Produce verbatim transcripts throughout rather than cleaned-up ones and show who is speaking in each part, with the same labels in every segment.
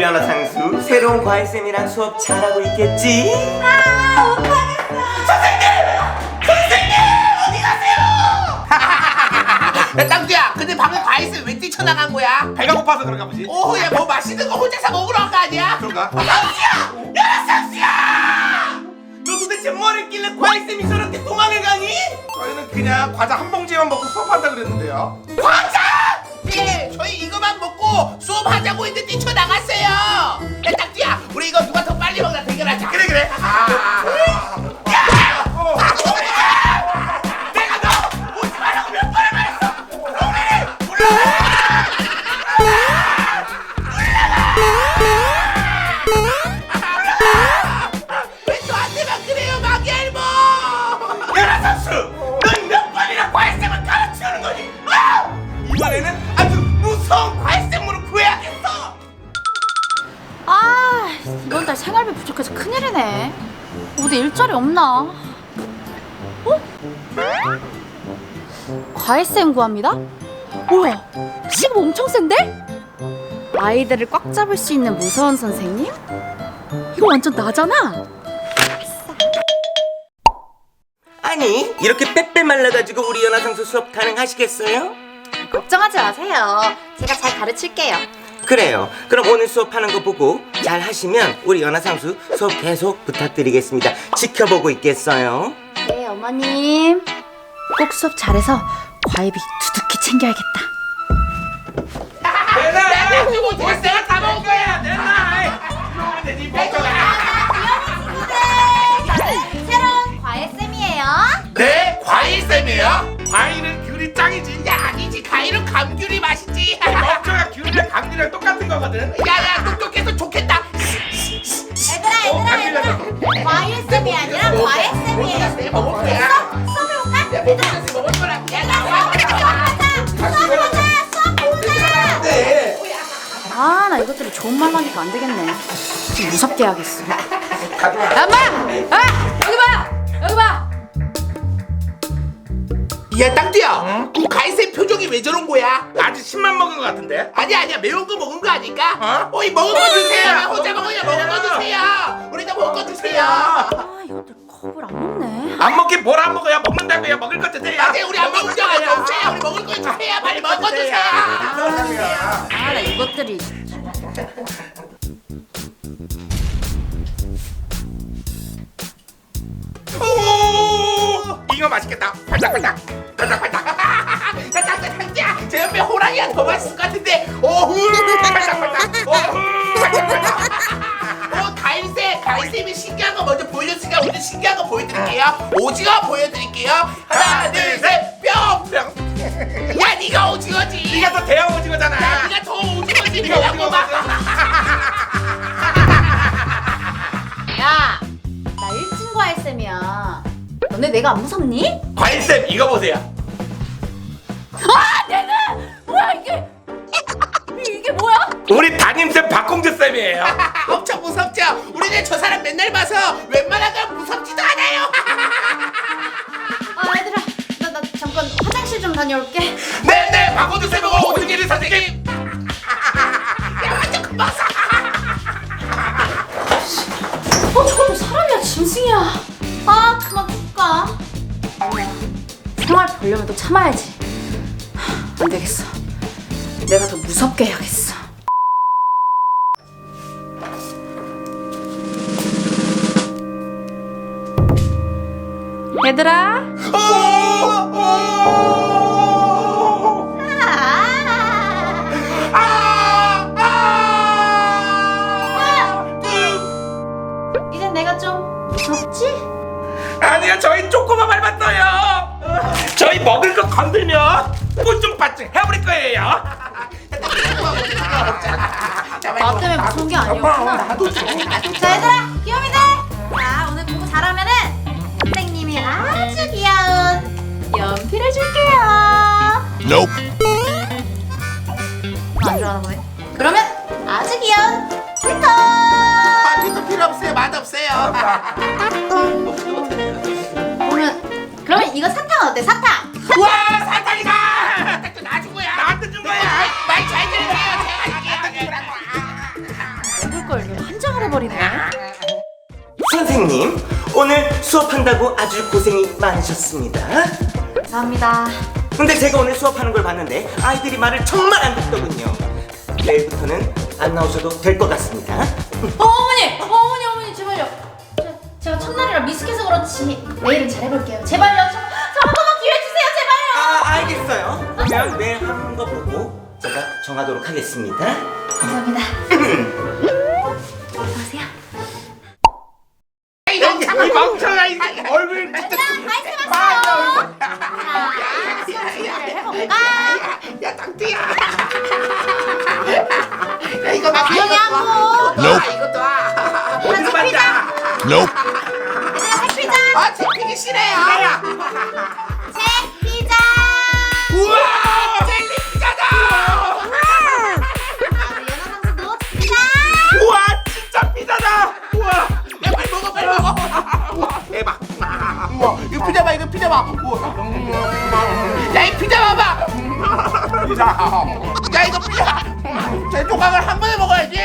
Speaker 1: 연어 상수 새로운 과외쌤이랑 수업 잘하고 있겠지?
Speaker 2: 아, 못하겠어.
Speaker 3: 선생님! 선생님! 어디 가세요? 야, 땅두야, 근데 방금 과일쌤 왜 뛰쳐나간 거야?
Speaker 4: 배가 고파서 그런가 보지?
Speaker 3: 오, 야, 뭐 맛있는 거 혼자서 먹으러 간 거 아니야?
Speaker 4: 그런가?
Speaker 3: 상수야! 야, 상수야!
Speaker 1: 너 도대체 뭘 했길래 과외쌤이 저렇게 도망을 가니?
Speaker 4: 저희는 그냥 과자 한 봉지만 먹고 수업한다 그랬는데요.
Speaker 3: 과자! 예, 저희 이거만 먹고 수업하자고 했는데 뛰쳐나갔어요. 야, 땅두야, 우리 이거 누가 더 빨리 먹나 대결하자.
Speaker 4: 그래 그래. 아,
Speaker 3: 야!
Speaker 4: 어.
Speaker 3: 아, 동민아! 내가 너 오지 말라고 몇 번을 말했어! 동민이! 올라가! 왜 저한테만 그래요, 마기알모!
Speaker 1: 연어 상수! 넌 몇 번이나 과외쌤을 가르치는 거니? 아! 이번에는 아주 무서운 과외쌤으로 구해야겠어!
Speaker 2: 아, 이번 달 생활비 부족해서 큰일이네. 어디 일자리 없나? 어? 과외쌤 구합니다? 우와, 시급 엄청 센데? 아이들을 꽉 잡을 수 있는 무서운 선생님? 이거 완전 나잖아?
Speaker 1: 아니 이렇게 빼빼 말라가지고 우리 연어 상수 수업 가능하시겠어요?
Speaker 2: 걱정하지 마세요. 제가 잘 가르칠게요.
Speaker 1: 그래요. 그럼 오늘 수업하는 거 보고 잘 하시면 우리 연어 상수 수업 계속 부탁드리겠습니다. 지켜보고 있겠어요?
Speaker 2: 네, 어머님. 꼭 수업 잘해서 과외비 두둑히 챙겨야겠다.
Speaker 3: 내가 지금 어떻게 내가 다 먹은 거야!
Speaker 2: 새로운 과외쌤이에요.
Speaker 3: 네? 과일쌤이에요?
Speaker 4: 과일은 귤이 짱이지.
Speaker 3: 야, 아니지. 과일은 감귤이 맛있지.
Speaker 4: 멍청아 귤이랑 감귤이랑 똑같은 거거든.
Speaker 3: 야야, 똑똑해서 좋겠다.
Speaker 2: 얘들아,
Speaker 3: 어,
Speaker 2: 얘들아, 얘들아. 과외쌤이 아니라 과외쌤이에요.
Speaker 3: 내가 먹을 거야.
Speaker 2: 됐어? 수업해 볼까?
Speaker 3: 내가 먹을 먹을 거라. 야, 나
Speaker 2: 수업하자. 수업하자. 수업하자.
Speaker 3: 네.
Speaker 2: 아, 나 이것들이 좋은 말로 하니까 안 되겠네. 좀 무섭게 해야겠어. 엄마! 아! 여기 봐! 여기 봐!
Speaker 3: 야, 땅두야. 그 과일쌤 표정이 왜 저런 거야?
Speaker 4: 아직 십만 먹은 거 같은데?
Speaker 3: 아니야, 아니야. 매운 거 먹은 거 아닐까?
Speaker 4: 어?
Speaker 3: 어이, 먹은 거 주세요. 왜 혼자 먹으냐? 먹은 거 주세요. 우리도 먹은 거 주세요.
Speaker 2: 아, 이것들 겁을 안 먹네.
Speaker 4: 안 먹긴 뭘 안 먹어요? 먹는다고요? 먹을 것 주세요.
Speaker 3: 맞아요. 우리 안 먹은 거 아니야. 주세요. 우리 먹을 거 주세요. 빨리 먹은 거 주세요.
Speaker 2: 아, 나 이것들이.
Speaker 4: 오! 이거 맛있겠다. 팔딱팔딱. 팔딱팔딱.
Speaker 3: 야, 땅두야, 땅두야. 제 옆에 호랑이가 더 맛있을 것 같은데. 오후.
Speaker 4: 팔딱팔딱.
Speaker 3: 오후. 팔딱팔딱. 어, 가일쌤, 가일쌤이 신기한 거 먼저 보여줬으니까 오늘 신기한 거 보여드릴게요. 오징어 보여드릴게요. 하나, 둘, 셋, 뿅! 뿅! 야, 네가 오징어지.
Speaker 4: 네가 더 대형 오징어잖아.
Speaker 3: 야, 네가 더 오징어지.
Speaker 4: 네가
Speaker 3: 뭐라고
Speaker 4: 오징어
Speaker 3: 막.
Speaker 2: 야, 나 일 층 과외쌤이야. 너네 내가 안 무섭니?
Speaker 4: 과일쌤 이거 보세요.
Speaker 2: 아, 내가! 뭐야, 이게! 이게 뭐야?
Speaker 4: 우리 담임쌤 박공주 쌤이에요.
Speaker 3: 엄청 무섭죠? 우리는 저 사람 맨날 봐서 웬만한 건 무섭지도 않아요.
Speaker 2: 아, 얘들아, 나, 나 잠깐 화장실 좀 다녀올게.
Speaker 3: 네네, 박원주 쌤하고 오승일이 선생님. 야, 완전 금방 사.
Speaker 2: 어, 저것도 사람이야, 짐승이야. 아, 그만 볼까? 아니야, 생활 보려면 또 참아야지. 하, 안 되겠어. 내가 더 무섭게 해야겠어. 얘들아. 이젠 내가 좀 무섭지?
Speaker 4: 아니요, 저희 조그만 밟았어요. 저희 먹을 거 건들면 뽀증빠증 해버릴 거예요.
Speaker 2: 나 때문에 무서운 게 아니었구나. 자, 얘들아, 귀요미들. 자, 오늘 공부 잘하면은 선생님이 아주 귀여운 연필을 줄게요.
Speaker 5: Nope.
Speaker 2: 안 좋아하나 보네. 그러면 아주 귀여운 스티커.
Speaker 3: 아, 뒤도 필요 없어요. 맛없어요.
Speaker 2: 그러면 그러면 이거 사탕 어때? 사탕.
Speaker 3: 와, 사탕이다. 또 놔준 거야.
Speaker 4: 나한테 준 거야.
Speaker 3: 말 잘 들으세요. 제가 할게요.
Speaker 2: 웅얼거리네.
Speaker 1: 선생님, 오늘 수업한다고 아주 고생이 많으셨습니다.
Speaker 2: 감사합니다.
Speaker 1: 근데 제가 오늘 수업하는 걸 봤는데 아이들이 말을 정말 안 듣더군요. 내일부터는 안 나오셔도 될 것 같습니다.
Speaker 2: 어, 어머니! 어, 어머니, 어머니, 제발요. 제, 제가 첫날이라 미숙해서 그렇지 내일은 잘해볼게요. 제발요. 저, 저 한 번만 기회 주세요. 제발요.
Speaker 1: 아, 알겠어요. 그러면 내일 하는 거 보고 제가 정하도록 하겠습니다.
Speaker 2: 감사합니다. 어서오세요.
Speaker 3: 이 멍청아 이 얼굴 진짜.
Speaker 2: 말씀하세요. 자, 수업 준비를 해볼까?
Speaker 3: 야 땅띠야. 야 이거 봐.
Speaker 2: 조용히 하고.
Speaker 3: 너 이것도 와.
Speaker 2: 어디서 만져? 얘들아, 책 피자.
Speaker 3: 아 채피기 싫어요.
Speaker 2: 책 피자.
Speaker 3: 우와 젤리 피자다.
Speaker 2: 아, 우리 연하 선수도 피자.
Speaker 3: 우와 진짜 피자다. 우와 야 빨리 먹어 빨리 먹어. 우와 대박. 우와 이거 피자 봐 이거 피자 봐. 우와 야이 피자 봐봐. 피자. 야 이거 피자. 제 조각을 한 번에 먹어야지.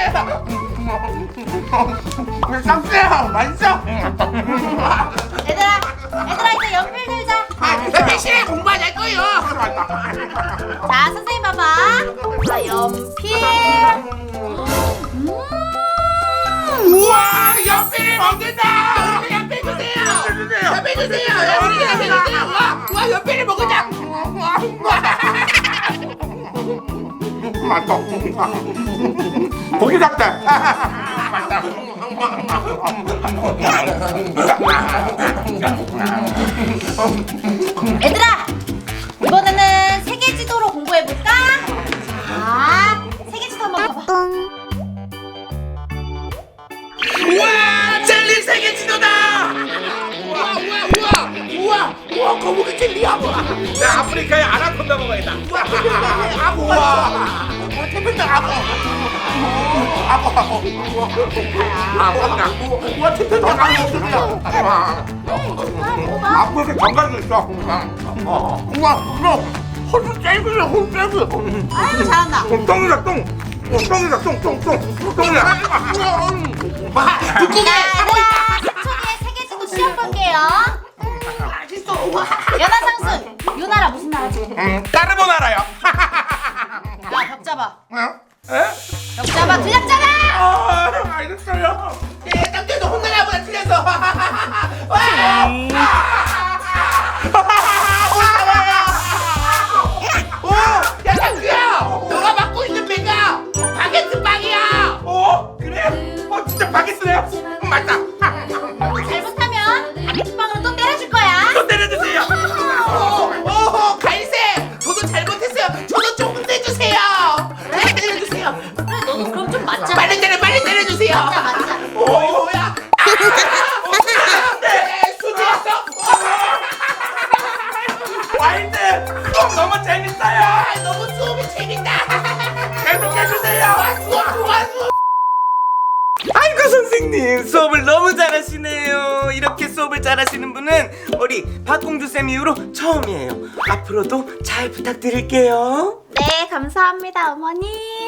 Speaker 3: 쌍수야 맛있어.
Speaker 2: 얘들아, 얘들아 이제 연필 들자.
Speaker 3: 아 대신에 공부하자 거요.
Speaker 2: 자, 선생님 봐봐. 자, 연필. 음.
Speaker 3: 우와 연필을 먹는다. 연필 주세요. 연필 주세요. 연필 연필 주세요. 우와 우와 연필을 먹으자. 우와 우와. 맛있어. 고기 같다.
Speaker 2: 얘들아, 이번에는 세계 지도로 공부해볼까? 자, 세계 지도 한번 봐봐.
Speaker 3: 우와 젤리 세계 지도다. 우와 우와 우와 우와 우와 거북이 젤리야. 나 아프리카의 아나콘다 먹어야겠다. 우와 아구 우와 태평양 아구 아구 아구 아구 우와 태평양 아구 아프리카 정갈도 있어. 우와 우와 호수 젤리야 호수 젤리.
Speaker 2: 아유, 잘한다.
Speaker 3: 똥이다 똥. 똥이다 똥똥똥 똥이야. 와 듣고
Speaker 2: 자, 얘들아, 십 초 뒤에 세계 지도 시험 볼게요. 연하 상순, 요 나라 무슨 나라지?
Speaker 3: 음, 까르보나라요.
Speaker 2: 야, 벽 잡아.
Speaker 3: 어? 에?
Speaker 2: 벽 잡아, 틀렸잖아.
Speaker 3: 아, 알겠어요. 예, 땀띠도 혼나나 보다 틀렸어. 와! 오, 야 땀띠야, 너가 맡고 있는 배가 바게트 빵이야. 어, 그래? 어, 진짜 바게트네요. 음, 맞다.
Speaker 2: 잘못하면 바게트빵으로 또 때려줄 거야.
Speaker 3: 또 때려주세요. 오, 오, 갈색. 저도 잘못했어요. 저도 조금 내주세요. 네, 때려주세요.
Speaker 2: 그래, 너도 그럼 좀 맞자.
Speaker 3: 빨리 때려, 빨리 때려주세요.
Speaker 2: 맞자, 맞자.
Speaker 3: 오, 뭐야? 네, 수지였어. 와인드 수업 너무 재밌어요. 아, 너무 수업이 재밌다. 계속 해주세요. 수업 좋아, 수업.
Speaker 1: 아이고 선생님, 수업을 너무 잘하시네요. 이렇게 수업을 잘하시는 분은 우리 박공주 쌤 이후로 처음이에요. 앞으로도 잘 부탁드릴게요.
Speaker 2: 네, 감사합니다, 어머니.